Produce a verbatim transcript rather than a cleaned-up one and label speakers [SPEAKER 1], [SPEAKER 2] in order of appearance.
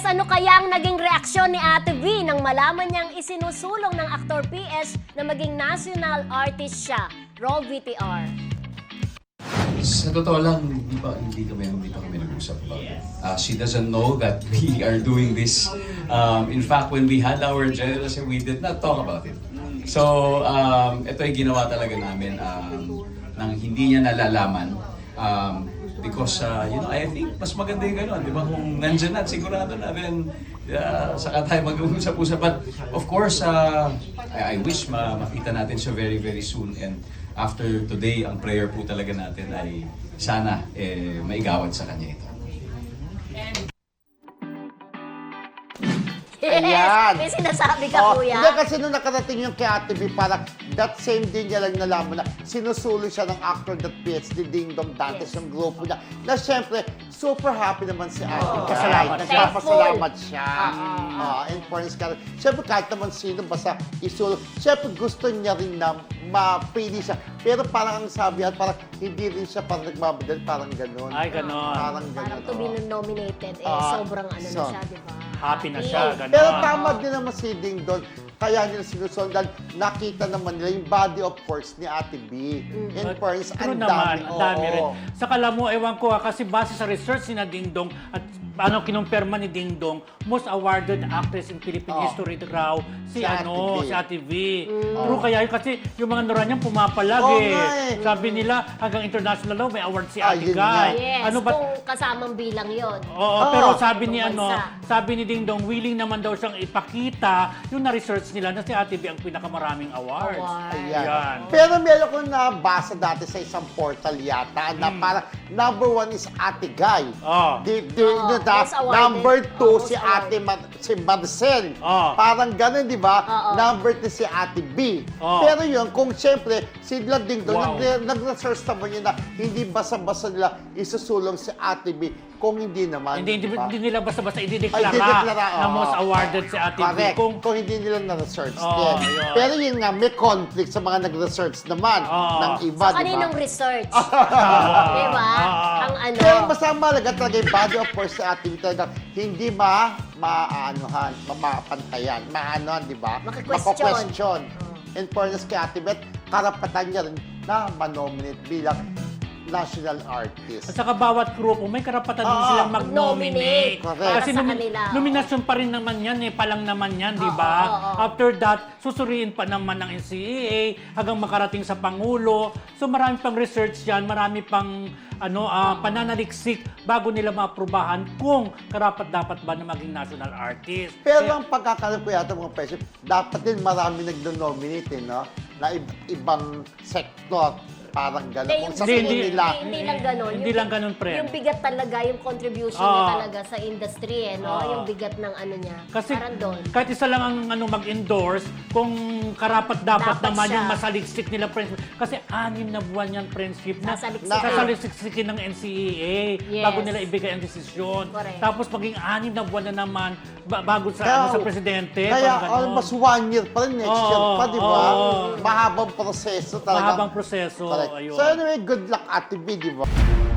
[SPEAKER 1] ano kaya ang naging reaksyon ni Ate V nang malaman niyang isinusulong ng aktor P S na maging national artist siya? Roll V T R.
[SPEAKER 2] Sa totoo lang, hindi pa hindi kami hindi pa kami nag-usap about it. Uh, she doesn't know that we are doing this. Um, in fact, when we had our general session, we did not talk about it. So, um, ito ay ginawa talaga namin um, nang hindi niya nalalaman. Um, because, uh, you know, I think mas maganda yung gano'n. Di ba? Kung nandyan na, sigurado na rin uh, saka tayo mag-usap-usap. But, of course, uh, I, I wish ma makita natin siya very, very soon. And after today, ang prayer po talaga natin ay sana eh, maigawad sa kanya ito.
[SPEAKER 1] Yes!
[SPEAKER 3] Ayan.
[SPEAKER 1] May sinasabi ka,
[SPEAKER 3] Oh,
[SPEAKER 1] kuya.
[SPEAKER 3] Hindi, kasi nung nakarating yung kay Ate B, parang that same day niya lang nalaman na sinusulo siya ng actor that P S D Ding Dong Dantes,
[SPEAKER 1] Yes.
[SPEAKER 3] yung grupo niya. Na syempre, super happy naman si Ate.
[SPEAKER 1] Oh,
[SPEAKER 3] Pasalamat.
[SPEAKER 1] thankful.
[SPEAKER 3] Nagpapasalamat siya.
[SPEAKER 1] Ah.
[SPEAKER 3] Uh, in fairness ka. Syempre, kahit naman sino, basta isulo. Syempre, gusto niya rin na mapili siya. Pero parang ang sabihan, parang hindi rin siya parang nagmabadal, parang gano'n.
[SPEAKER 4] Ay, ganon.
[SPEAKER 3] Parang
[SPEAKER 1] Parang
[SPEAKER 3] gano'n.
[SPEAKER 1] to be
[SPEAKER 3] oh.
[SPEAKER 1] nominated, eh,
[SPEAKER 3] Ah,
[SPEAKER 1] sobrang ano
[SPEAKER 3] so,
[SPEAKER 1] na siya, di ba?
[SPEAKER 4] Happy na siya, ganon.
[SPEAKER 3] Pero tama din naman si Ding Dong. Kaya nila sinusundan, nakita naman nila yung body of course ni Ate B. In fairness,
[SPEAKER 4] True
[SPEAKER 3] ang
[SPEAKER 4] naman,
[SPEAKER 3] dami.
[SPEAKER 4] ang dami
[SPEAKER 3] oo.
[SPEAKER 4] rin. Saka alam mo, ewan ko ha, kasi base sa research ni na Ding Dong at ano kinumpirma ni Ding Dong, most awarded actress in Philippine
[SPEAKER 3] Oh.
[SPEAKER 4] history raw si,
[SPEAKER 3] Si Ate
[SPEAKER 4] ano,
[SPEAKER 3] V.
[SPEAKER 4] si Ate V. True kaya yun kasi yung mga nura niyang pumapalag
[SPEAKER 3] Oo
[SPEAKER 4] eh.
[SPEAKER 3] nga eh.
[SPEAKER 4] Sabi nila hanggang international law may award si
[SPEAKER 3] Ah,
[SPEAKER 4] Ate
[SPEAKER 3] yun
[SPEAKER 4] Guy.
[SPEAKER 3] nga.
[SPEAKER 1] Yes,
[SPEAKER 4] Ano ba?
[SPEAKER 1] kung kasamang bilang yon.
[SPEAKER 4] Oo,
[SPEAKER 3] Oo.
[SPEAKER 4] pero sabi ni
[SPEAKER 1] Ibang
[SPEAKER 4] ano,
[SPEAKER 1] bansa.
[SPEAKER 4] sabi ni Ding Dong, willing naman daw siyang ipakita yung na-research nila na si Ate B ang pinakamaraming awards.
[SPEAKER 1] Award.
[SPEAKER 3] Ayan.
[SPEAKER 4] Yan.
[SPEAKER 3] Pero meron ko nabasa dati sa isang portal yata na parang number one is Ate Guy.
[SPEAKER 4] Oh.
[SPEAKER 3] Di, di,
[SPEAKER 1] Oo,
[SPEAKER 3] no, da-
[SPEAKER 1] most awarded.
[SPEAKER 3] number two
[SPEAKER 1] Oo,
[SPEAKER 3] si
[SPEAKER 1] most
[SPEAKER 3] Ate Ma- si Marcel.
[SPEAKER 4] Oo.
[SPEAKER 3] Parang ganun, di ba?
[SPEAKER 1] Oo.
[SPEAKER 3] Number three si Ate B.
[SPEAKER 4] Oo.
[SPEAKER 3] Pero yun, kung siyempre, si Ding Dong,
[SPEAKER 4] Wow.
[SPEAKER 3] nag- nag-research naman yun na hindi basa-basa nila isusulong si Ate B. Kung hindi naman,
[SPEAKER 4] Hindi, hindi,
[SPEAKER 3] di ba?
[SPEAKER 4] hindi nila basta-basta
[SPEAKER 3] Ay,
[SPEAKER 4] idideklara
[SPEAKER 3] idideklara,
[SPEAKER 4] na
[SPEAKER 3] oo.
[SPEAKER 4] most awarded si Ate B.
[SPEAKER 3] Correct.
[SPEAKER 4] Kung,
[SPEAKER 3] Kung hindi nila na-research
[SPEAKER 4] Oo,
[SPEAKER 3] din.
[SPEAKER 4] yun.
[SPEAKER 3] Pero yun nga, may conflict sa mga nag-research naman
[SPEAKER 4] Oo.
[SPEAKER 3] ng iba,
[SPEAKER 1] So,
[SPEAKER 3] di ba?
[SPEAKER 1] kaninong research? Di ba?
[SPEAKER 4] Ah.
[SPEAKER 1] Ang ano.
[SPEAKER 3] Pero basta malaga talaga yung body of course sa ating talaga hindi ma maaanuhan, mapapantayan, maanohan, di ba?
[SPEAKER 1] Maki-question.
[SPEAKER 3] Mako-question. In fairness kay Ate Beth, karapatan niya rin na manominate bilang national artist.
[SPEAKER 4] at saka bawat grupo, may karapatan din
[SPEAKER 3] Oo.
[SPEAKER 4] silang mag-nominate.
[SPEAKER 3] Correct.
[SPEAKER 4] Kasi
[SPEAKER 1] Para sa
[SPEAKER 4] nomi-
[SPEAKER 1] kanila, oo.
[SPEAKER 4] nominasyon pa rin naman yan, eh, palang naman yan, di
[SPEAKER 1] Oo,
[SPEAKER 4] ba?
[SPEAKER 1] oo.
[SPEAKER 4] After that, susuriin pa naman ng N C A A hanggang makarating sa Pangulo. So marami pang research yan, marami pang ano ah, pananaliksik bago nila maaprubahan kung karapat-dapat ba na maging national artist.
[SPEAKER 3] Pero
[SPEAKER 4] Kaya-
[SPEAKER 3] ang pagkakaroon ko yata mga presyo, dapat din marami nag-nominate, eh, no? Na ib- ibang sektor, parang gano'n.
[SPEAKER 1] Hindi,
[SPEAKER 3] Kung
[SPEAKER 1] yung,
[SPEAKER 3] sa
[SPEAKER 4] Hindi,
[SPEAKER 3] tingin
[SPEAKER 4] hindi.
[SPEAKER 3] nila,
[SPEAKER 1] hindi lang ganun.
[SPEAKER 4] Hindi
[SPEAKER 1] Yung-
[SPEAKER 4] lang ganun, pre.
[SPEAKER 1] Yung bigat talaga, yung contribution
[SPEAKER 4] Oo.
[SPEAKER 1] niya talaga sa industry, eh, no?
[SPEAKER 4] Oo.
[SPEAKER 1] Yung bigat ng ano niya.
[SPEAKER 4] Kasi
[SPEAKER 1] Parang doon.
[SPEAKER 4] kahit isa lang ang ano mag-endorse, kung karapat-dapat
[SPEAKER 1] Dapat
[SPEAKER 4] naman
[SPEAKER 1] siya.
[SPEAKER 4] yung masaliksik nila friendship. Kasi anim na buwan yan friendship na
[SPEAKER 1] Sasaliksikin.
[SPEAKER 4] sasaliksikin ng N C A A
[SPEAKER 1] Yes.
[SPEAKER 4] bago nila ibigay ang desisyon.
[SPEAKER 1] Correct.
[SPEAKER 4] Tapos maging anim na buwan na naman ba- bago sa,
[SPEAKER 3] Kaya-
[SPEAKER 4] ano, sa presidente.
[SPEAKER 3] kaya
[SPEAKER 4] parang ganon.
[SPEAKER 3] almost one year pa rin, next
[SPEAKER 4] Oo,
[SPEAKER 3] year pa, di ba?
[SPEAKER 4] oo.
[SPEAKER 3] Mahabang proseso talaga.
[SPEAKER 4] Mahabang proseso.
[SPEAKER 3] Correct.
[SPEAKER 4] Ayun.
[SPEAKER 3] So anyway, good luck Ate B, di ba?